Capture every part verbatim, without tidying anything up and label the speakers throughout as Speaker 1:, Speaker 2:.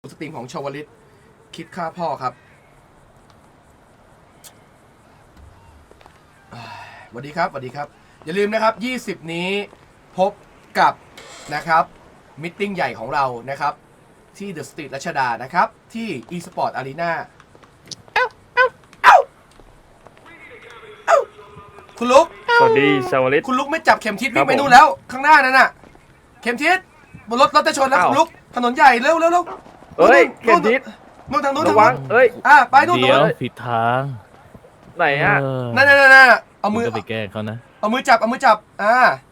Speaker 1: สตรีมของชาวลิตคิดฆ่าพ่อครับสวัสดีครับสวัสดีครับอย่าลืมนะครับยี่สิบนี้พบกับนะครับมิทติ้งใหญ่ของเรานะครับที่เดอะสตรีทรัชดานะครับที่ e-sport arena เอ้าเอ้าเอ้าเอ้าคุณลุก
Speaker 2: สวัสดีชาวลิต
Speaker 1: คุณลุกไม่จับเข็มทิศวิ่งไปนู่นแล้วข้างหน้านั่นน่ะเข็มทิศบนรถรถจะชนแล้วคุณลุกถนนใหญ่เร็วเร็วเร็ว
Speaker 2: เฮ้ยเข็มทิศ
Speaker 1: นู่นทางนู้น
Speaker 2: ระวังเอ้ย
Speaker 1: อ่ะไปนู่นนู่น
Speaker 3: เดี๋ยวผิดทาง
Speaker 2: ไหนอ่ะ
Speaker 1: นั่นนั่นนั่นเอามือ
Speaker 3: ก็ไปแกล้งเขานะ
Speaker 1: เอามือจับเอามือจับอ่า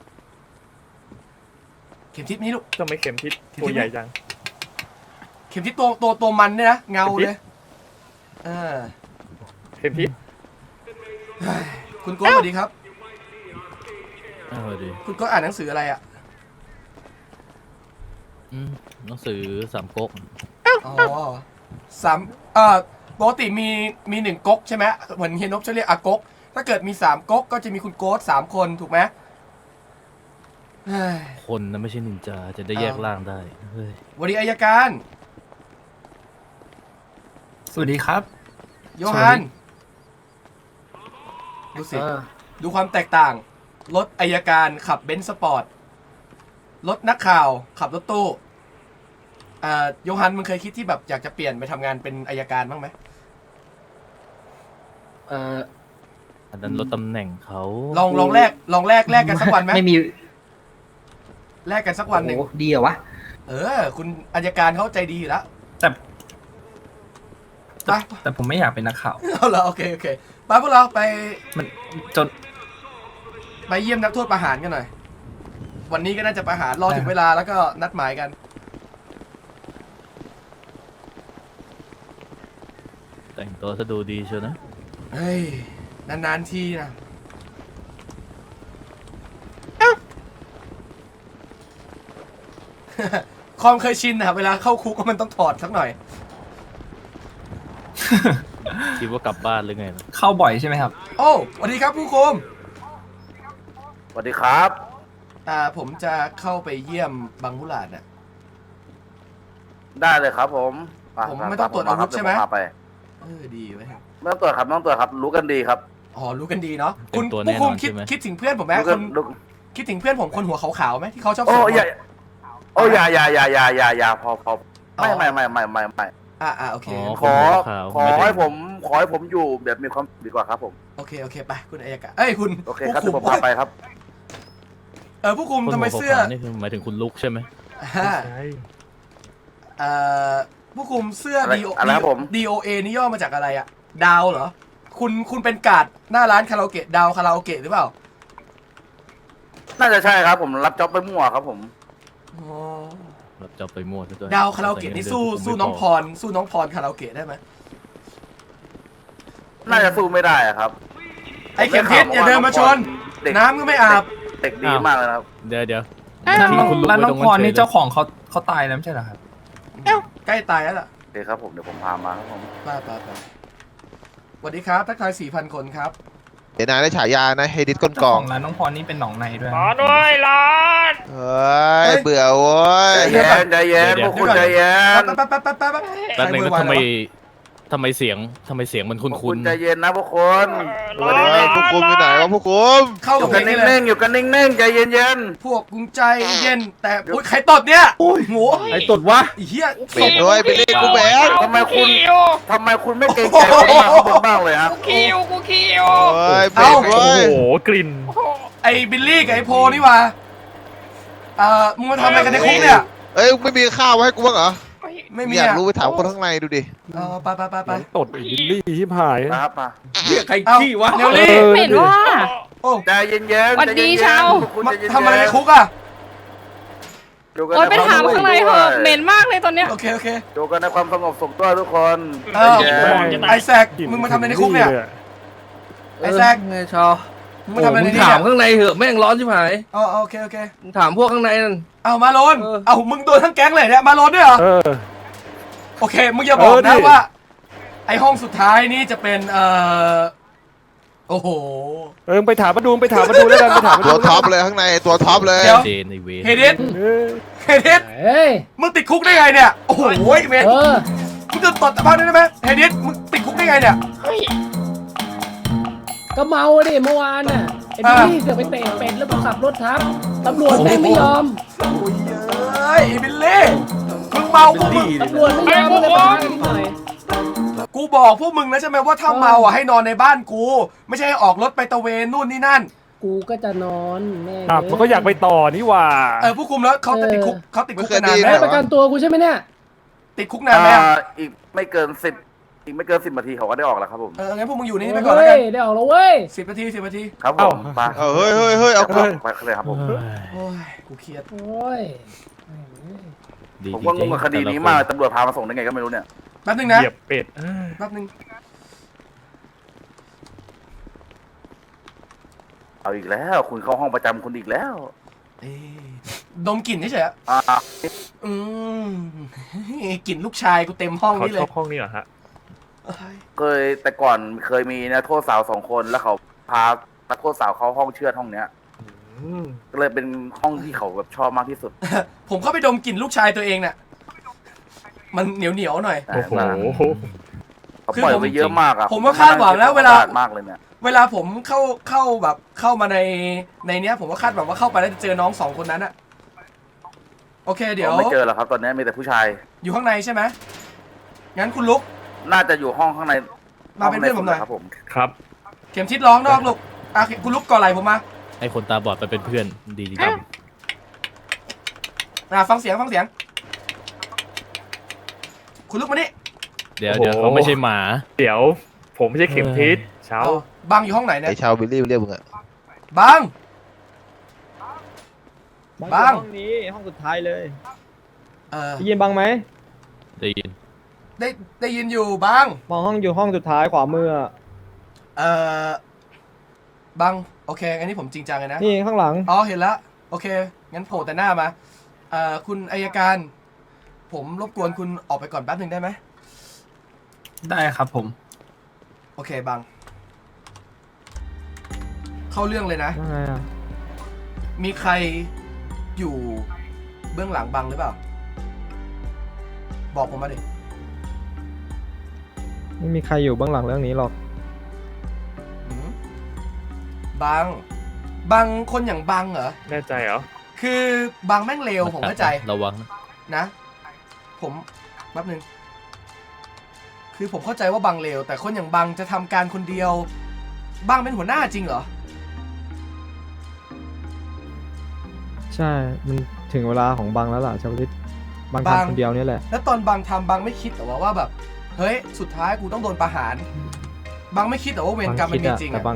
Speaker 1: เข็มทิศนี้ลูก
Speaker 2: ทำไมเข็มทิศตัวใหญ่จัง
Speaker 1: เข็มทิศตัวตัวตัวมันเนี่ยนะเงาเลยอ่า
Speaker 2: เข็มทิศ
Speaker 1: คุณโก้สวัสดีครับ
Speaker 3: สวัสดี
Speaker 1: คุณโก้อ่านหนังสืออะไรอ่ะ
Speaker 3: อืมหนังสือสามก๊ก
Speaker 1: อ๋อสามเอ่อปกติมีมีหนึ่งก๊กใช่ไหมเหมือนเฮียนบจะเรียกอาก๊กถ้าเกิดมีสามก๊กก็จะมีคุณโก้สามคนถูกไหม
Speaker 3: คนนะไม่ใช่นินจาจะได้แยกร่างได้เฮ้ย
Speaker 1: วันนี้อัยการ
Speaker 4: สวัสดีครับ
Speaker 1: โยฮันดูสิดูความแตกต่างรถอัยการขับเบนซ์สปอร์ตรถนักข่าวขับรถตู้อ่าโยฮันมึงเคยคิดที่แบบอยากจะเปลี่ยนไปทำงานเป็นอัยการบ้างไหม
Speaker 4: เอ่อ
Speaker 3: อันนั้นลดตำแหน่งเขา
Speaker 1: ลองลองแลกลองแลกแลกกันสักวันไหม
Speaker 4: ไม่มี
Speaker 1: แลกกันสักวันหนึ่ง
Speaker 4: ดีเหรอวะ
Speaker 1: เออคุณอัยการเขาใจดีอยู่แล้ว
Speaker 4: แต่แต่แต่ผมไม่อยากเป็นนักข่าว
Speaker 1: เอาเหรอโอเคโอเคไปพวกเราไป
Speaker 4: มันจน
Speaker 1: ไปเยี่ยมนักโทษประหารกันหน่อยวันนี้ก็น่าจะประหารรอถึงเวลาแล้วก็นัดหมายกัน
Speaker 3: แต่งตัวซะดูดีเชียวนะ
Speaker 1: เฮ้ยนานๆทีนะความเคยชินนะเวลาเข้าคุกก็มันต้องถอดสักหน่อย
Speaker 3: คิดว่ากลับบ้านหรือไง
Speaker 4: เข้าบ่อยใช่ไหมครับ
Speaker 1: โอ้สวัสดีครับผู้คุม
Speaker 2: สวัสดีครับ
Speaker 1: อ่าผมจะเข้าไปเยี่ยมบังมุหลาดน่ะ
Speaker 2: ได้เลยครับผม
Speaker 1: ผมไม่ต้องตรวจอาวุธใช่ไหมเออดีไว้
Speaker 2: ไม่ต้องตรวจครับไม่ต้องตรวจครับรู้กันดีครับ
Speaker 1: อ๋อรู้กันดีเนาะคุณผู้คุมคิดคิดถึงเพื่อนผมไหมคนคิดถึงเพื่อนผมคนหัวขาวๆไหมที่เขาชอบ
Speaker 2: โอ้ยโอ้ยอย่าอย่าอย่าอย่าอย่าอย่าพอพอไม่ไม่ไม่ไม่ไม่ไม่
Speaker 1: อ่าอ่าโอเค
Speaker 2: ขอขอให้ผมขอให้ผมอยู่แบบมีความดีกว่าครับผม
Speaker 1: โอเคโอเคไปคุณอัยการเอ้ยคุณ
Speaker 2: โอเคครับผมพาไปครับ
Speaker 1: เออผู้คุมทำไมเสื้อ
Speaker 3: นี่คือหมายถึงคุณลุกใช่ไหม
Speaker 1: ใช่เอ่อผู้คุมเสื้อ ดี โอ ดี โอ เอ นี่ย่อมาจากอะไรอะดาวเหรอคุณคุณเป็นการ์ดหน้าร้านคาราโอเกะดาวคาราโอเกะหรือเปล่า
Speaker 2: น่าจะใช่ครับผมรับจ็อบไปมั่วครับผม
Speaker 3: รับจ็อบไปมั่วด้วย
Speaker 1: ดาวคาราโอเกะนี่สู้สู้น้องพรสู้น้องพรคาราโอเกะได้ไหม
Speaker 2: น่าจะสู้ไม่ได้ครับ
Speaker 1: ไอ้เข็มทิศอย่าเดินมาชนน้ำก็ไม่อาบ
Speaker 2: เด็กดีมากเลยครับ
Speaker 3: เดี๋ยวเดี๋ยว
Speaker 4: ร้านน้องพรนี่เจ้าของเขาเขาตายแล้วไม่ใช่เหรอครับ
Speaker 1: ใกล้ตายแล้วล่ะ
Speaker 2: โอเคครับผมเดี๋ยวผมพามาครับผม
Speaker 1: ไปไปไปสวัสดีครับทักทาย สี่พัน คนครับ
Speaker 5: เดี๋ยวนายได้ฉายานะเฮดิสก้นกอง
Speaker 4: ร้านน้องพรนี่เป็นหนองในด้วย
Speaker 2: มาด้วยร้าน
Speaker 5: เฮ้ยเบื่อโว้ย
Speaker 2: ใจเย็นใจเย็นพวกคุณใจเย็น
Speaker 1: แป๊บแป๊บแป๊บแป๊บแป๊บ
Speaker 3: แป๊บนึงนะทำไมทำไมเสียงทำไมเสียงมันคุ้นคุ้น
Speaker 2: ใจเย็นนะพวกคุณ
Speaker 5: วันนี้พวกคุมอยู่ไหนวะพวกคุม
Speaker 2: อยู่กันนิ่งๆอยู่กันนิ่งๆใจเย็น
Speaker 1: ๆพวกกุงใจเย็นแต่อุ้ยใครตดเนี่ยโอ้ยโง่
Speaker 4: ใครตดวะ
Speaker 1: เฮีย
Speaker 5: เป็นด้วยไปเรียกกูแบง
Speaker 2: ทำไมคุณทำไมคุณไม่เกรงใจคนบ้างเลยครับ
Speaker 1: กูคิวกูคิว
Speaker 5: เฮ้ยเป็น
Speaker 3: โอ้โหกลิ่น
Speaker 1: ไอ้บิลลี่กับไอ้โพนี่วะเอ่อมึงมาทำอะไรกันในคุกเนี่ย
Speaker 5: เอ้ยไม่มีข้าวให้กูบ้างเหรอ
Speaker 1: ไม่มี
Speaker 5: อยากรู้ไปถามคนข้างในดูดิ
Speaker 1: เออไปไปไปไป
Speaker 3: ตดบิลลี่ที่ผาย
Speaker 2: ครับมา
Speaker 4: เรียกใครขี้วะ
Speaker 1: เนลลี่
Speaker 6: เห็นว่า
Speaker 1: โอ้
Speaker 2: ใจเย็นๆ
Speaker 6: สวัสดีชาว
Speaker 1: ทำอะไรในคุกอ่ะ
Speaker 6: โอ้ยไปถามข้างในเหอะเหม็นมากเลยตอนเนี้ย
Speaker 1: โอเคโอเค
Speaker 2: ดูกันในความสงบสุขด้วยทุกคน
Speaker 1: ไอแซกมึงมาทำอะไรในคุกเนี่ยไอแซก
Speaker 4: ไงชาว
Speaker 1: มึงมาทำอะไรใน
Speaker 4: นี่ถามข้างในเหอะแม่งร้อนชิบหาย
Speaker 1: อ๋อโอเคโอเค
Speaker 4: มึงถามพวกข้างในนั่น
Speaker 1: เอามาโลนเอามึงโดนทั้งแก๊งเลยเนี่ยมาโลนด้วยเหรอโอเคมึงอย่าบอกนะว่าไอห้องสุดท้ายนี่จะเป็นเอ่อโอ้โห
Speaker 3: เออไปถามมาดูไปถามมาดูแล้วกันไปถาม
Speaker 5: ตัวท็อปเลยข้างในตัวท็อปเลย
Speaker 1: เดี๋ยว
Speaker 3: เจนในเว
Speaker 1: เฮดิสเฮดิส
Speaker 7: เฮ้ย
Speaker 1: มึงติดคุกได้ไงเนี่ยโอ้โหเมน
Speaker 7: เออ
Speaker 1: มึงจะตดตะพังได้ไหมเฮดิสมึงติดคุกได้ไงเนี่ย
Speaker 7: ก็เมาดิเมื่อวานน่ะไอ้
Speaker 1: อ่า
Speaker 7: พี่เสือกไปเตะเป็ดแล้วก็ขับรถทับตำรวจแม่งไม่ยอม
Speaker 1: โอ้ยเอ้ยไอ้บิลลี่มึงเมาพวกมึง
Speaker 7: ตำรวจไม่ยอมเลยมานิดหน่อย
Speaker 1: กูบอกพวกมึงแล้วใช่ไหมว่าถ้าเมาอ่ะให้นอนในบ้านกู ไม่ใช่ให้ออกรถไปตะเวนนู่นนี่นั่น
Speaker 7: กูก็จะนอนแม่ง
Speaker 3: อ่ะมันก็อยากไปต่อนี่หว่า
Speaker 1: เออผู้คุมแล้วเขาจะติดคุกเขาติดคุกกันนานไหม
Speaker 7: เฮ้ยประกันตัวกูใช่ไหมเนี่ย
Speaker 1: ติดคุกนานไหม
Speaker 2: อ่าอีกไม่เกินสิบอีกไม่เกินสิบนาทีเขาก็ได้ออกแล้วครับผม
Speaker 1: เอองั้นพวกมึงอยู่ในนี่ไปก่อนแล้ว
Speaker 7: เฮ้
Speaker 1: กัน
Speaker 7: ยได้ออกแล้วเว้ย
Speaker 1: สิบนาทีสิบนาที
Speaker 2: ครับผมไป
Speaker 5: เอาเฮ้ยเฮ้ยเฮ้ยเอา
Speaker 2: ไปไปเลยครับผม
Speaker 1: โอ้ยกูเครียด
Speaker 7: โอ้ย
Speaker 3: ดี
Speaker 2: ผม
Speaker 3: จ
Speaker 2: ว่าง
Speaker 3: ริ
Speaker 2: ง
Speaker 3: ง
Speaker 2: กับ
Speaker 3: ๆ
Speaker 2: คดีนี้
Speaker 3: แต่ละ
Speaker 2: มาก
Speaker 3: ค
Speaker 2: เลยตำรวจพามาส่งได้ไงก็ไม่รู้เนี่ย
Speaker 1: แป๊บนึงนะ
Speaker 3: เหยียบเป็ด
Speaker 1: แป๊บนึง
Speaker 2: เอาอีกแล้วคุณเข้าห้องประจำคุณอีกแล้ว
Speaker 1: เอ้ยดมกลิ่นเฉยๆอะ
Speaker 2: อ่า
Speaker 1: อืมกลิ่นลูกชายกูเต็มห้อง
Speaker 3: เขา
Speaker 1: นี้เล
Speaker 3: ช
Speaker 1: ย
Speaker 3: อบห้องนี้เหรอฮะ
Speaker 1: เอ้ย
Speaker 2: เคยแต่ก่อนเคยมีนะโทษสาวสองคนแล้วเขาพานักโทษสาวเข้าห้องเชือดห้องเนี้ย
Speaker 3: อืม
Speaker 2: ก็เลยเป็นห้องที่เขาแบบชอบมากที่สุด
Speaker 1: ผมเข้าไปดมกลิ่นลูกชายตัวเองน่ะมันเหนียวเหนียวๆหน่อย
Speaker 3: โอ้โห
Speaker 2: เขาปล่อยไปเยอะมากอะ
Speaker 1: ผมว่าคาดหวังแล้วเวลา
Speaker 2: มากเลยเนี่ย
Speaker 1: เวลาผมเข้าเข้าแบบเข้ามาในในเนี้ย ผมก็คาดหวังว่าเข้าไปแล้วจะเจอน้องสองคนนั้นอะโอเค เดี๋ยว
Speaker 2: ไม่เจอแล้วครับตอนนี้มีแต่ผู้ชาย
Speaker 1: อยู่ข้างในใช่ไหมงั้นคุณลุก
Speaker 2: น่าจะอยู่ห้องข้างใน
Speaker 1: มาเป็นเพื่อนผมหน่อย
Speaker 2: ครับผม
Speaker 3: ครับ
Speaker 1: เข็มทิศร้องนอกลูกอ่ะคุณลุกก่อนไหลผมมา
Speaker 3: ให้คนตาบอดไปเป็นเพื่อนดีดี
Speaker 1: อ่ะฟังเสียงฟังเสียง คุณลุกมานี่
Speaker 3: เดี๋ยวเดี๋ยวเขาไม่ใช่หมา เดี๋ยว ผมไม่ใช่เข็มทิศเช้า
Speaker 1: เอาบังอยู่ห้องไหนเนี่ย
Speaker 5: ไอชาวบิลลี่เรียกมึงอะ
Speaker 1: บัง
Speaker 8: บั
Speaker 1: บัง
Speaker 8: งห้องนี้ห้องสุดท้ายเลย
Speaker 1: เออ
Speaker 8: ได้ยินบังไหม
Speaker 3: ได้ยิน
Speaker 1: ได้ได้ยินอยู่บัง
Speaker 8: มองห้องอยู่ห้องสุดท้ายขวามืออะ
Speaker 1: เออบังโอเคอันนี้ผมจริงจังเลยนะ
Speaker 8: นี่ข้างหลัง
Speaker 1: อ๋อเห็นแล้วโอเค งั้นโผล่แต่หน้ามาเอ่อคุณอัยการ ผมรบกวนคุณออกไปก่อนแป๊บหนึ่งได้ไหม
Speaker 4: ได้ครับผม
Speaker 1: โอเคบัง เข้าเรื่องเลยนะ
Speaker 8: ว่าไงอะ
Speaker 1: มีใครอยู่เบื้องหลังบังหรือเปล่า บอกผมมาดิ
Speaker 8: ไม่มีใครอยู่เบื้องหลังเรื่องนี้หรอก
Speaker 1: หืมบัง บังคนอย่างบังเหรอ
Speaker 3: แน่ใจเหรอ
Speaker 1: คือบังแม่งเลวผมเข้าใจ
Speaker 3: ระวัง
Speaker 1: นะ ผมแป๊บหนึ่งคือผมเข้าใจว่าบังเลวแต่คนอย่างบังจะทำการคนเดียว บังเป็นหัวหน้าจริงเหรอ
Speaker 8: ใช่ มันถึงเวลาของบังแล้วล่ะชาวลิตบัง
Speaker 1: บัง
Speaker 8: ทำคนเดียวนี่แหละ
Speaker 1: แล้วตอนบังทำบังไม่คิดแต่ว่าว่าแบบเฮ้ยสุดท้ายกูต้องโดนประหาร บังไม่คิดแต่ว่าเวรกรรมมันมีจริง
Speaker 8: แต่
Speaker 1: อะ
Speaker 8: บัง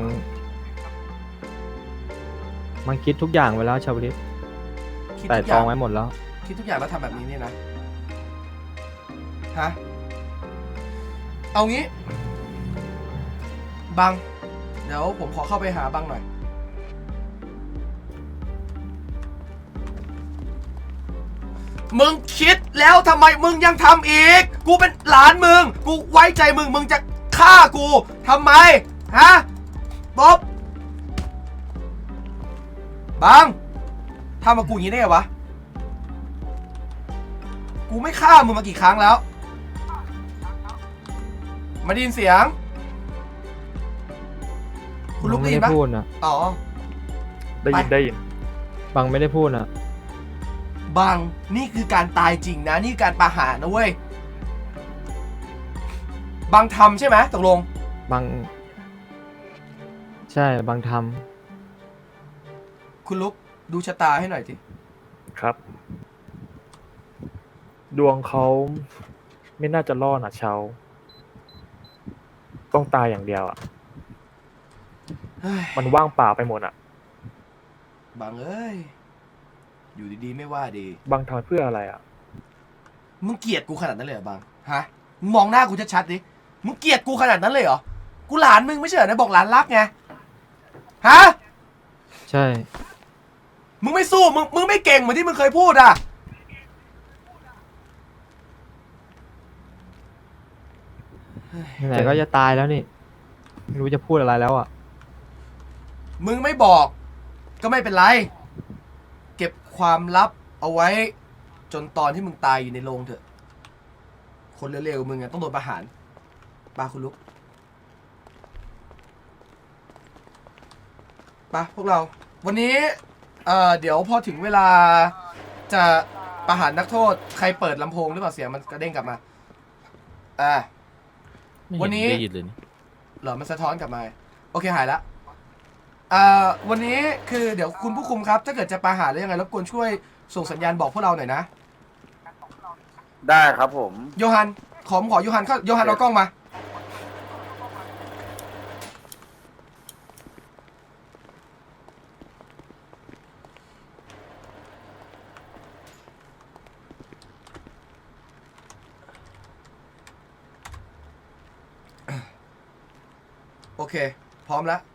Speaker 8: บังคิดทุกอย่างไว้แล้วชาวลิต
Speaker 1: คิด
Speaker 8: แต่
Speaker 1: ทุกอ
Speaker 8: ตร
Speaker 1: ย่า
Speaker 8: อง งไว้หมดแล้ว
Speaker 1: คิดทุกอย่างแล้วทำแบบนี้เนี่ยนะฮะเอางี้ บัง เดี๋ยวผมขอเข้าไปหาบังหน่อย มึงคิดแล้วทำไมมึงยังทำอีก กูเป็นหลานมึง กูไว้ใจมึง มึงจะฆ่ากูทำไม ฮะบ๊อบบังทำมากูอย่างนี้ได้ไงวะ กูไม่ฆ่ามึงมากี่ครั้งแล้ว มาได้ยินเสียง คุณลุก
Speaker 8: บัง
Speaker 1: ได้
Speaker 8: ไม่
Speaker 1: ยิน
Speaker 8: ได้
Speaker 1: ปะ
Speaker 8: พูดนะ
Speaker 1: อ๋อ
Speaker 3: ได้ยิน
Speaker 1: ไป
Speaker 3: ได้ยิน
Speaker 8: บังไม่ได้พูดนะ
Speaker 1: บัง นี่คือการตายจริงนะ นี่คือการประหารนะเว้ย บังทำใช่ไหมตกลง
Speaker 8: บัง ใช่บังท
Speaker 1: คุณลุกดูชะตาให้หน่อยสิ
Speaker 3: ครับ ดวงเขาไม่น่าจะรอดนะเชาต้องตายอย่างเดียวอ่ะ
Speaker 1: เฮ้ย
Speaker 3: มันว่างเปล่าไปหมดอ่ะ
Speaker 1: บังเอ้ย อยู่ดีๆไม่ว่าดี
Speaker 3: บางทำเพื่ออะไรอ่ะ
Speaker 1: มึงเกลียดกูขนาดนั้นเลยเหรอบัง ฮะ มึงมองหน้ากูชัดๆดิ มึงเกลียดกูขนาดนั้นเลยเหรอ กูหลานมึงไม่ใช่เหรอนะบอกหลานรักไง ฮะ
Speaker 8: ำใช่
Speaker 1: มึงไม่สู้ มึง มึงไม่เก่งเหมือนที่มึงเคยพูดอ่ะ
Speaker 8: ไหนๆก็จะตายแล้วนี่ ไม่รู้จะพูดอะไรแล้วอ่ะ
Speaker 1: มึงไม่บอก ก็ไม่เป็นไร เก็บความลับเอาไว้จนตอนที่มึงตายอยู่ในโรงเถอะ คนเร็วๆมึงอะต้องโดนประหารปาคุณลุกปะพวกเรา วันนี้เอ่อเดี๋ยวพอถึงเวลาจะประหารนักโทษใครเปิดลำโพงหรือเปล่าเสียงมันกระเด้งกลับมาอ่า
Speaker 3: ไม่เห็
Speaker 1: วันนี้
Speaker 3: ได้ยินเลยนี่
Speaker 1: เหรอมันสะท้อนกลับมาโอเคหายละอ่าวันนี้คือเดี๋ยวคุณผู้คุมครับ ถ้าเกิดจะประหารหรือยังไงรบกวนช่วยส่งสัญญาณบอกพวกเราหน่อยนะ
Speaker 2: ได้ครับผม
Speaker 1: โยฮันขอผมขอโยฮันเข้าโยฮันเอากล้องมาโอเคพร้อมแล้ว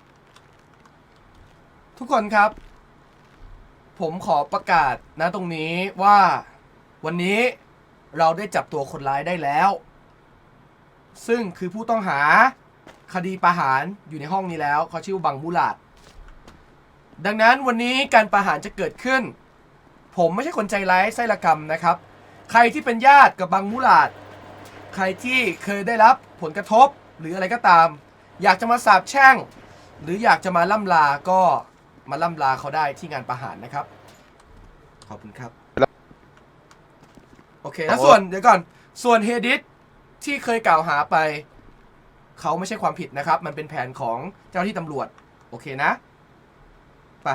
Speaker 1: ทุกคนครับ ผมขอประกาศนะตรงนี้ว่าวันนี้เราได้จับตัวคนร้ายได้แล้ว ซึ่งคือผู้ต้องหาคดีประหารอยู่ในห้องนี้แล้วเขาชื่อบังมูลาดดังนั้นวันนี้การประหารจะเกิดขึ้น ผมไม่ใช่คนใจร้ายไส้ละกรรมนะครับ ใครที่เป็นญาติกับบังมูลาดใครที่เคยได้รับผลกระทบหรืออะไรก็ตาม อยากจะมาสาบแช่งหรืออยากจะมาล่ำลาก็มาล่ำลาเขาได้ที่งานประหารนะครับขอบคุณครับโอเคแล้วส่วนเดี๋ยวก่อนส่วนเฮดิสที่เคยกล่าวหาไปเขาไม่ใช่ความผิดนะครับมันเป็นแผนของเจ้าหน้าที่ตำรวจโอเคนะไป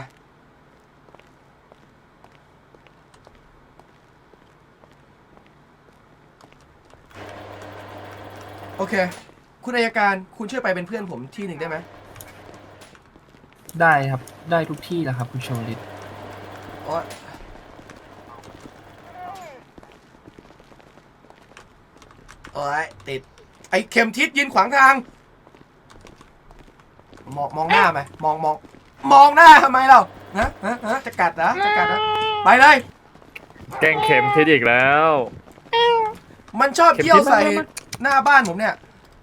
Speaker 1: โอเคคุณอัยการคุณช่วยไปเป็นเพื่อนผมที่หนึ่งได้ไหม
Speaker 4: ได้ครับได้ทุกที่แหละครับคุณชวลิต
Speaker 1: โอ๊ยโอ๊ยติดไอ้เข็มทิศยืนขวางทางมองมองหน้าไหมมองมองมองหน้าทำไมเราฮะฮะฮะจะกัดนะจะกัดนะไปเลย
Speaker 3: แกล้งเข็มทิศอีกแล้ว
Speaker 1: มันชอบเที่ยวใส่
Speaker 3: เข็มทิศมามา
Speaker 1: หน้าบ้านผมเนี่ย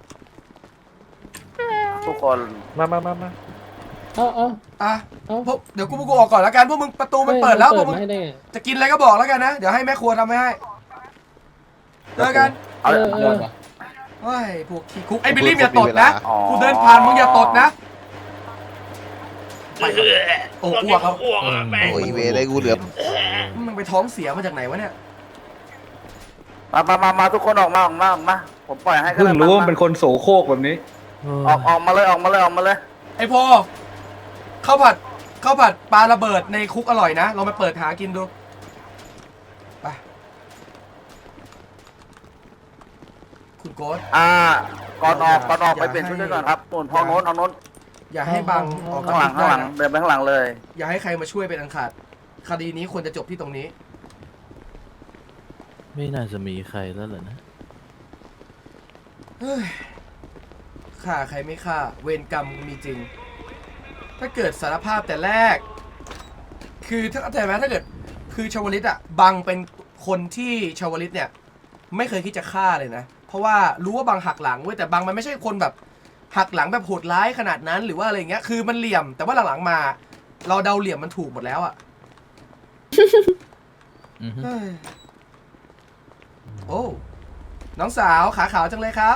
Speaker 2: ทุกคน
Speaker 3: มามามามา
Speaker 7: เอาเอา
Speaker 1: อ่ะ
Speaker 7: เอา
Speaker 1: พวกเดี๋ยวกูพวกกูออกก่อนแล้วกันพวกมึงประตูมันเปิดแล้วพวกมึง
Speaker 7: ให้ได้ไง
Speaker 1: จะกินอะไรก็บอกแล้วกันนะเดี๋ยวให้แม่ครัวทำให้เจอกัน
Speaker 2: เอา
Speaker 7: เออเออ
Speaker 1: เฮ้ยพวกขี้คุกไอ้บิลลี่อย่าตดนะ
Speaker 2: อ๋อ
Speaker 1: กูเดินผ่านมึงอย่าตดนะไปโอ้อ้วกเขา
Speaker 5: โอ้ยเวได้กูเหลือ
Speaker 1: มึงไปท้องเสียมาจากไหนวะเนี่ย
Speaker 2: มามามามาทุกคนออกมาออกมาออกมาผมปล่อยให้ก็
Speaker 9: เพิ่ง
Speaker 2: ได้
Speaker 9: รู้ว่า
Speaker 2: มา
Speaker 9: เป็นคนโสโครกแบบนี้
Speaker 2: ออกออกมาเลยออกมาเลยออกมาเลย
Speaker 1: ไอ้พอข้าวผัดข้าวผัดปลาระเบิดในคุกอร่อยนะลองไปเปิดหากินดูไปคุณโกส
Speaker 2: อ่าก่อนออกก่อนออกไปเปลี่ยนชุดด้วยก่อนครับนู่นห้องโน้นห้องโน้น
Speaker 1: อย่าให้บังออก
Speaker 2: ข้างหลังข้างหลัง
Speaker 1: นะ
Speaker 2: เดินไปข้างหลังเลย
Speaker 1: อย่าให้ใครมาช่วยเป็นอันขาดคดีนี้ควรจะจบที่ตรงนี้
Speaker 3: ไม่น่าจะมีใครแล้วเหรอนะ
Speaker 1: เฮ้ยฆ่าใครไม่ฆ่าเวรกรรมมีจริง ถ้าเกิดสารภาพแต่แรก คือถ้าเข้าใจไหมถ้าเกิดคือชาวลิตอะบังเป็นคนที่ชาวลิตเนี่ยไม่เคยคิดจะฆ่าเลยนะ เพราะว่ารู้ว่าบังหักหลังเว้ยแต่บังมันไม่ใช่คนแบบหักหลังแบบโหดร้ายขนาดนั้นหรือว่าอะไรเงี้ยคือมันเหลี่ยมแต่ว่าหลังๆมา เราเดาเหลี่ยมมันถูกหมดแล้วอะ
Speaker 3: อือฮึ
Speaker 1: เฮ้ยโอ้น้องสาวขาขาวจังเลยครับ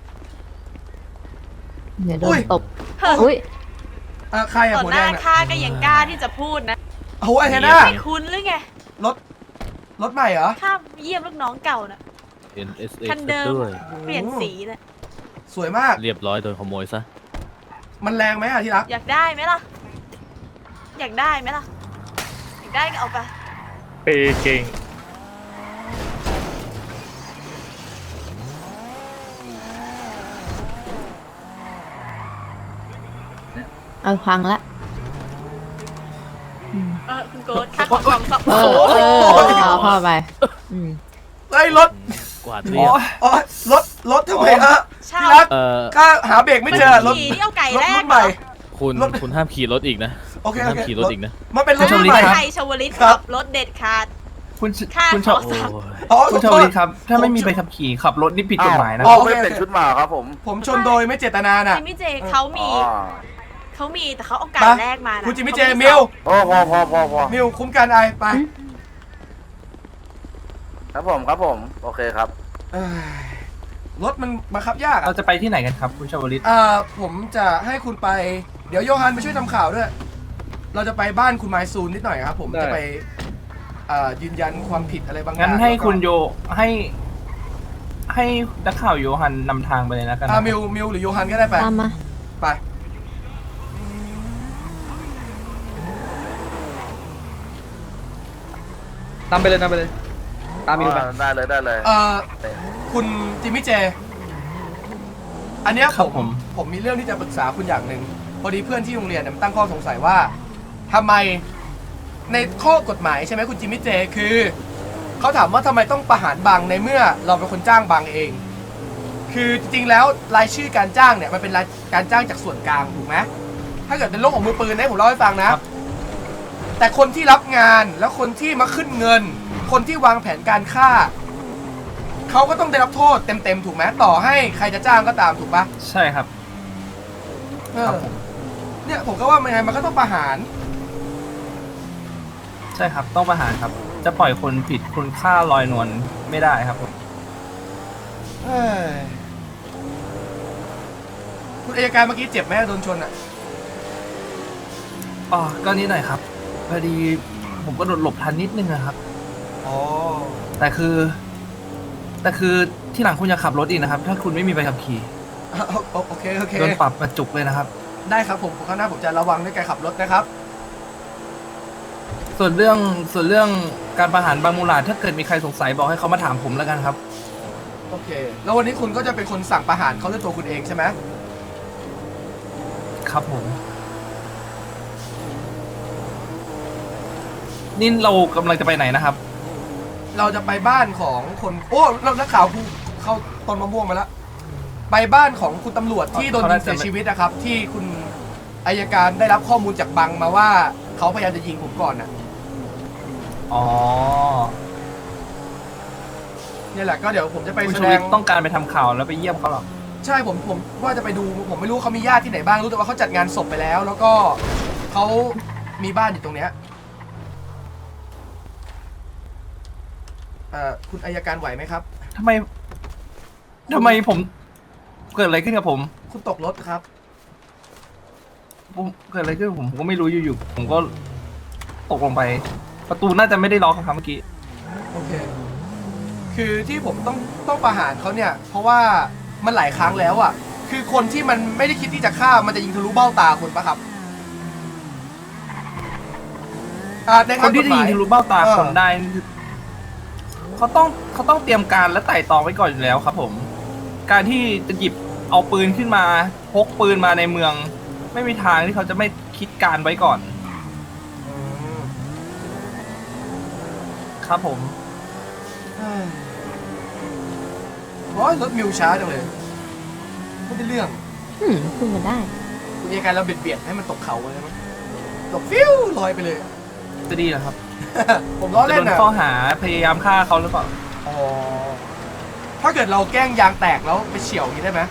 Speaker 6: เดี๋ยวโด
Speaker 1: อุ้
Speaker 6: น
Speaker 1: ย
Speaker 6: ตบอุ้ย
Speaker 1: อ่ะใครอะ
Speaker 10: ต่อ
Speaker 1: หัว
Speaker 10: ห
Speaker 1: แด
Speaker 10: น้าง
Speaker 1: อะ
Speaker 10: ข้าก็ยังกล้าที่จะพูดนะ
Speaker 1: โอ้ยเฮน่า
Speaker 10: ไม่คุ้นหรือไง
Speaker 1: รถรถใหม่เหรอ
Speaker 10: ข้าเยี่ยมลูกน้องเก่านะ
Speaker 3: เอ็น เอส เอ
Speaker 10: คันเดิม
Speaker 3: ด้วย
Speaker 10: เปลี่ยนสีนะ
Speaker 1: สวยมาก
Speaker 3: เรียบร้อยโดนขโมยซะ
Speaker 1: มันแรงไหมอะที่รัก
Speaker 10: อยากได้ไหมล่ะ อยากได้ไหมล่ะ อยากได้ก็เอาไป
Speaker 3: เปย์เก่ง
Speaker 6: เอาพังละ
Speaker 10: เออคุณโกดข้าขอของสับ
Speaker 6: เออเออเอาเข้าไปอืม
Speaker 1: เฮ้ยรถ
Speaker 3: กวาดเรียบ
Speaker 1: อ๋อรถรถทำไมฮะ
Speaker 10: ใช่
Speaker 1: ที่รัก
Speaker 3: เอ่อ
Speaker 1: ข้าหาเบรกไม่เจอรถ
Speaker 10: ขี่ที่เอาไก่
Speaker 1: รถ
Speaker 10: แร
Speaker 1: รุ่
Speaker 10: ก
Speaker 1: นใหม่
Speaker 3: คุณ
Speaker 1: รถ
Speaker 3: คุณห้ามขี่รถอีกนะ
Speaker 1: โอเค
Speaker 3: คุณ
Speaker 1: โอ
Speaker 3: ห้าม
Speaker 1: เค
Speaker 3: ขี่รถอีกนะ
Speaker 1: มันเป็นรถ
Speaker 4: ช
Speaker 1: รุ่
Speaker 4: ม
Speaker 1: น
Speaker 4: ลิ
Speaker 1: ใหม่
Speaker 4: ครับ
Speaker 10: ไทยชาวลิต
Speaker 1: ครั
Speaker 10: ขั
Speaker 1: บ
Speaker 10: บรถเด็ดขาด
Speaker 4: คุณช
Speaker 10: ข้า
Speaker 4: คุณ
Speaker 10: ข
Speaker 4: ช
Speaker 10: อ
Speaker 4: ว
Speaker 10: สั่ง
Speaker 1: อ๋อ
Speaker 4: คุณ
Speaker 1: ข
Speaker 4: ช
Speaker 1: อ
Speaker 4: ว
Speaker 1: โทษ
Speaker 4: ลิตครับ ถ้าไม่มีใบขับขี่ขับรถนี่ผิดกฎหมายนะ
Speaker 1: อ๋
Speaker 2: อ๋
Speaker 1: อ
Speaker 2: อไม่เปลี่ยนชุดมาครับผม
Speaker 1: ผมชนโดยไม่เจตนาน่ะ
Speaker 10: จิมมี่เจเขามี
Speaker 2: อ๋อ
Speaker 10: เขามีแต่เขาเอาไก่
Speaker 1: ไป
Speaker 10: แรกมานะ
Speaker 1: คุณจิมมี่เจ
Speaker 10: ขาไ
Speaker 1: มิว
Speaker 2: พอพอพอพอพอ
Speaker 1: มิวคุ้มกันไอไป
Speaker 2: ครับผมครับผมโอเคครับ
Speaker 1: เอ้ยรถมันบังคับยาก
Speaker 4: เรา
Speaker 1: อะ
Speaker 4: จะไปที่ไหนกันครับคุณชวลิต
Speaker 1: อ่าผมจะให้คุณไปเดี๋ยวโยฮันไปช่วยทำข่าวด้วย เราจะไปบ้านคุณไมซูนนิดหน่อยครับผมจะไปอ่ายืนยันความผิดอะไรบางอย่าง
Speaker 4: งั้นให้
Speaker 1: แล้วก็
Speaker 4: คุณโยให้ ให้นักข่าวโยฮันนำทางไปเลยแล้วกัน
Speaker 1: อ่า
Speaker 4: นะ
Speaker 1: มิวมิวหรือโยฮันก็ได้ไป
Speaker 6: ตามมา
Speaker 1: ไป
Speaker 8: ตามไปเลยตามไปเลย ตามมิวไป
Speaker 2: ได้เลยได้เลย
Speaker 1: เอ่อคุณจิมมี่เจ อันเนี้ย
Speaker 4: ครั
Speaker 1: ผ
Speaker 4: บ
Speaker 1: ม
Speaker 4: ผม
Speaker 1: ผมมีเรื่องที่จะปรึกษาคุณอย่างหนึ่งพอดีเพื่อนที่โรงเรียนเนี่ยมันตั้งข้อสงสัยว่าทำไมในข้อกฎหมายใช่ไหมคุณจิมมี่เจ คือเขาถามว่าทำไมต้องประหารบังในเมื่อเราเป็นคนจ้างบังเอง คือจริงๆแล้วรายชื่อการจ้างเนี่ยมันเป็นรายการจ้างจากส่วนกลางถูกไหมถ้าเกิดเป็นโลกของมือปืนนะผมเล่าให้ฟังนะ แต่คนที่รับงานแล้วคนที่มาขึ้นเงิน คนที่วางแผนการฆ่าเขาก็ต้องได้รับโทษเต็มๆถูกไหมต่อให้ใครจะจ้างก็ตามถูกปะ
Speaker 4: ใช่ครับ
Speaker 1: เอ
Speaker 4: ครั
Speaker 1: อบ
Speaker 4: ผม
Speaker 1: เนี่ยผมก็ว่ามันไงมันก็ต้องประหาร
Speaker 4: ใช่ครับต้องประหารครับ จะปล่อยคนผิดคุณค่าลอยนวลไม่ได้ครับผม
Speaker 1: เอ้ยคุณอัยการเมื่อกี้เจ็บไหมโดนชนอ่ะ
Speaker 4: อ๋อก็นิดหน่อยครับพอดีผมก็โดนหลบทันนิดนึงอะครับ
Speaker 1: อ๋อ
Speaker 4: แต่คือ แต่คือที่หลังคุณอย่าขับรถอีกนะครับ ถ้าคุณไม่มีใบขับขี่
Speaker 1: โอเคโอเค
Speaker 4: โดนปรับกระจุกเลยนะครับ
Speaker 1: ได้ครับผมข้างหน้าผมจะระวังในการขับรถนะครับ
Speaker 4: ส่วนเรื่องส่วนเรื่องการประหารบางมูลาดถ้าเกิดมีใครสงสัยบอกให้เขามาถามผมแล้วกันครับ
Speaker 1: โอเค แล้ววันนี้คุณก็จะเป็นคนสั่งประหารเขาด้วยตัวคุณเองใช่ไหม
Speaker 4: ครับผม นี่เรากำลังจะไปไหนนะครับ
Speaker 1: เราจะไปบ้านของคนโอ้เรานักข่าวกูเข้าต้นมะม่วงมาแล้วไปบ้านของคุณตำรวจที่โดนยิงเสียชีวิตนะครับ ที่คุณอัยการได้รับข้อมูลจากบังมาว่าเขาพยายามจะยิงผมก่อนน่ะ
Speaker 4: อ๋อ
Speaker 1: เนี่ยแหละก็เดี๋ยวผมจะไป
Speaker 4: คุณ
Speaker 1: แส
Speaker 4: ชู
Speaker 1: ด
Speaker 4: วิ
Speaker 1: ง
Speaker 4: ทย์ต้องการไปทำข่าวแล้วไปเยี่ยมเขาหรอ
Speaker 1: ใช่ผมผมว่าจะไปดูผมไม่รู้เขามีญาติที่ไหนบ้างรู้แต่ว่าเขาจัดงานศพไปแล้ว แล้วก็เขามีบ้านอยู่ตรงเนี้ยเอ่อคุณอัยการไหวไหมครับ
Speaker 4: ทำไมทำไมผม เกิดอะไรขึ้นกับผม
Speaker 1: คุณตกรถครับ
Speaker 4: ผมเกิดอะไรขึ้นกับผมผมก็ไม่รู้อยู่ๆผมก็ตกลงไป ประตูน่าจะไม่ได้ล็อกครับเมื่อกี้
Speaker 1: โอเค คือที่ผมต้องต้องประหารเขาเนี่ย เพราะว่ามันหลายครั้งแล้วอ่ะ คือคนที่มันไม่ได้คิดที่จะฆ่ามันจะยิงทะลุเบ้าตาคนปะครับอ่าใน
Speaker 4: ค
Speaker 1: ทาง
Speaker 4: น
Speaker 1: ก
Speaker 4: ที่
Speaker 1: ฎ
Speaker 4: จะ
Speaker 1: ห
Speaker 4: ยิ
Speaker 1: มาง ย
Speaker 4: ทะลุเบ้าตา
Speaker 1: เออ
Speaker 4: ผมได้นี่คือเขาต้องเขาต้องเตรียมการและไต่ตองไว้ก่อนอยู่แล้วครับผม การที่จะหยิบเอาปืนขึ้นมาพกปืนมาในเมือง ไม่มีทางที่เขาจะไม่คิดการไว้ก่อน
Speaker 1: อืม
Speaker 4: ครับผม
Speaker 1: เฮ้ยโอ้ยรถมิวช้าจังเลยไม่ได้เรื่อง
Speaker 6: อืมคุณมาได้
Speaker 1: คุณอัยการเราเบียดเบียดให้มันตกเขาเลยมั้ยตกฟิวลอยไปเลย
Speaker 4: จะดีเหรอครับ
Speaker 1: ผมล้อ
Speaker 4: จะ
Speaker 1: เล่
Speaker 4: โด
Speaker 1: น
Speaker 4: น
Speaker 1: นะ
Speaker 4: ข้อหาพยายามฆ่าเขาหรือเปล่า
Speaker 1: อ๋อถ้าเกิดเราแกล้งยางแตกแล้วไปเฉี่ยวอย่างนี้ได้ไหม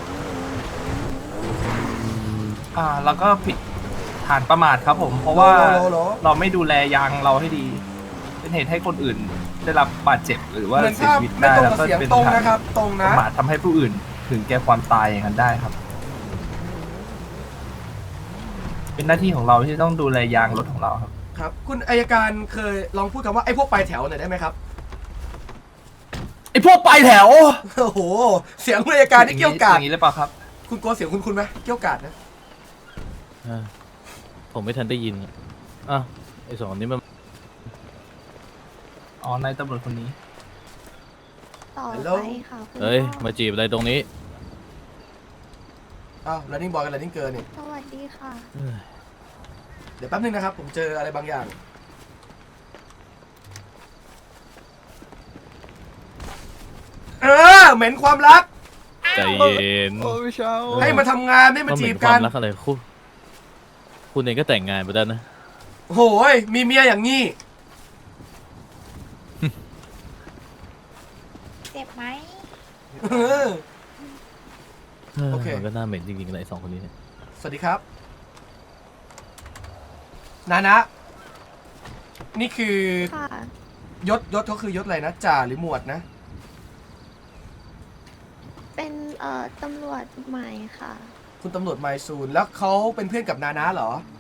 Speaker 4: อ่า แล้วก็ผิดฐานประมาทครับผม เพราะว่า
Speaker 1: โลโลโล
Speaker 4: เราไม่ดูแลยางเราให้ดี เป็นเหตุให้คนอื่นได้รับบาดเจ็บหรือว่า
Speaker 1: เหมือน
Speaker 4: เสีย
Speaker 1: ภาพ
Speaker 4: ชีวิต
Speaker 1: ไม่
Speaker 4: ได้
Speaker 1: ตรง
Speaker 4: แล้ว
Speaker 1: กับ
Speaker 4: ก็
Speaker 1: เสียง
Speaker 4: เป็น
Speaker 1: ตรง
Speaker 4: ฐาน
Speaker 1: นะครับ ตรง
Speaker 4: ป
Speaker 1: นะ
Speaker 4: ระมาททำให้ผู้อื่นถึงแก่ความตายอย่างนั้นได้ครับ เป็นหน้าที่ของเราที่ต้องดูแลยางรถของเราครับ
Speaker 1: ครับ คุณอัยการเคยลองพูดคำว่าไอ้พวกปลายแถวหน่อยได้ไหมครับ
Speaker 4: ไอพวกปลายแถว
Speaker 1: โอ้โห เสียงคุณอัยการนี่เกี่ยวกาด
Speaker 4: อย่างนี้เลยเปล่าครับ
Speaker 1: คุณกลัวเสียงคุณคุณไหมเกี่ยวกาดนะ
Speaker 9: อ่าผมไม่ทันได้ยินอ่ะไอสองคนนี้มัน
Speaker 4: อ๋อนายตำรวจคนนี้
Speaker 6: ต่อ
Speaker 1: ฮัลโหล
Speaker 6: ไปค่ะคุณ
Speaker 9: เอ้ย
Speaker 6: พ่อ
Speaker 9: มาจีบอะไรตรงนี้
Speaker 1: อ้าว running boy กับ running girl นี่
Speaker 6: สวัสดีค่ะ
Speaker 1: เดี๋ยวแป๊บนึงนะครับ ผมเจออะไรบางอย่าง เออ เหม็นความรัก
Speaker 9: ใจเย็น
Speaker 1: ให้มาทำงานไม่มา
Speaker 9: ว่าเห
Speaker 1: จี
Speaker 9: ม็
Speaker 1: บ
Speaker 9: นควา
Speaker 1: กั
Speaker 9: ม
Speaker 1: น
Speaker 9: รักอะไรคุณคุณเองก็แต่งงานไปแล้วนะ
Speaker 1: โหย มีเมียอย่างนี้
Speaker 6: เจ็บไหม
Speaker 1: เออ โอเค
Speaker 9: มันก็น่าเหม็นจริงๆเลยไอ้สองคนนี้เนี่ย
Speaker 1: สวัสดีครับ นานะ นี่คือ
Speaker 6: ค่ะ
Speaker 1: ยศยศเขาคือยศอะไรนะจ่าหรือหมวดนะ
Speaker 6: เป็นเอ่อตำรวจใหม่ค่ะ
Speaker 1: คุณตำรวจไมซูนแล้วเขาเป็นเพื่อนกับนานะเหรอ